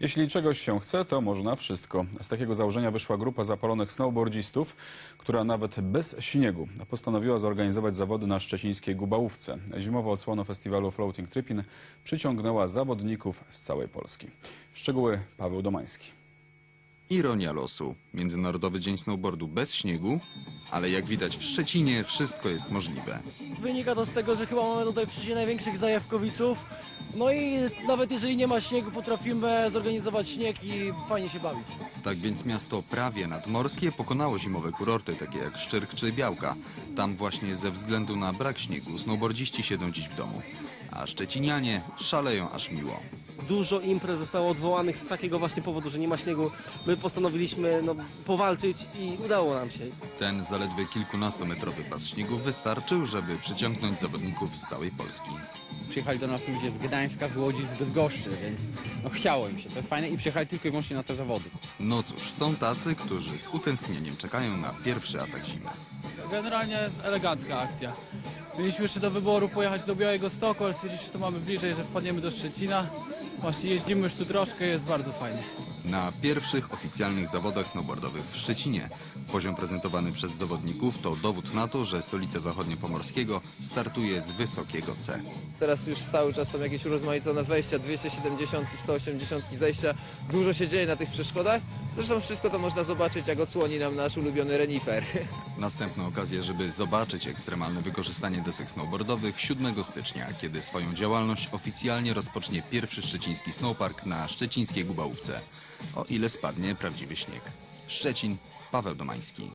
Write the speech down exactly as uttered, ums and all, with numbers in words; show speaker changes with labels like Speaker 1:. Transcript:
Speaker 1: Jeśli czegoś się chce, to można wszystko. Z takiego założenia wyszła grupa zapalonych snowboardzistów, która nawet bez śniegu postanowiła zorganizować zawody na szczecińskiej Gubałówce. Zimowa odsłona festiwalu Floating Trippin przyciągnęła zawodników z całej Polski. Szczegóły Paweł Domański.
Speaker 2: Ironia losu. Międzynarodowy Dzień Snowboardu bez śniegu, ale jak widać w Szczecinie wszystko jest możliwe.
Speaker 3: Wynika to z tego, że chyba mamy tutaj w Szczecinie największych zajawkowiczów. No i nawet jeżeli nie ma śniegu, potrafimy zorganizować śnieg i fajnie się bawić.
Speaker 2: Tak więc miasto prawie nadmorskie pokonało zimowe kurorty, takie jak Szczyrk czy Białka. Tam właśnie ze względu na brak śniegu snowboardziści siedzą dziś w domu. A szczecinianie szaleją aż miło.
Speaker 4: Dużo imprez zostało odwołanych z takiego właśnie powodu, że nie ma śniegu. My postanowiliśmy no, powalczyć i udało nam się.
Speaker 2: Ten zaledwie kilkunastometrowy pas śniegu wystarczył, żeby przyciągnąć zawodników z całej Polski.
Speaker 5: Przyjechali do nas ludzie z Gdańska, z Łodzi, z Bydgoszczy, więc no, chciało im się. To jest fajne i przyjechali tylko i wyłącznie na te zawody.
Speaker 2: No cóż, są tacy, którzy z utęsknieniem czekają na pierwszy atak zimy.
Speaker 6: Generalnie elegancka akcja. Mieliśmy jeszcze do wyboru pojechać do Białegostoku, ale stwierdziliśmy, że to mamy bliżej, że wpadniemy do Szczecina. Właśnie jeździmy już tu troszkę, jest bardzo fajnie.
Speaker 2: Na pierwszych oficjalnych zawodach snowboardowych w Szczecinie poziom prezentowany przez zawodników to dowód na to, że stolica zachodniopomorskiego startuje z wysokiego C.
Speaker 7: Teraz już cały czas są jakieś urozmaicone wejścia, dwieście siedemdziesiąt, sto osiemdziesiąt zejścia. Dużo się dzieje na tych przeszkodach. Zresztą wszystko to można zobaczyć, jak odsłoni nam nasz ulubiony renifer.
Speaker 2: Następna okazja, żeby zobaczyć ekstremalne wykorzystanie desek snowboardowych siódmego stycznia, kiedy swoją działalność oficjalnie rozpocznie pierwszy szczeciński snowpark na szczecińskiej Gubałówce. O ile spadnie prawdziwy śnieg. Szczecin, Paweł Domański.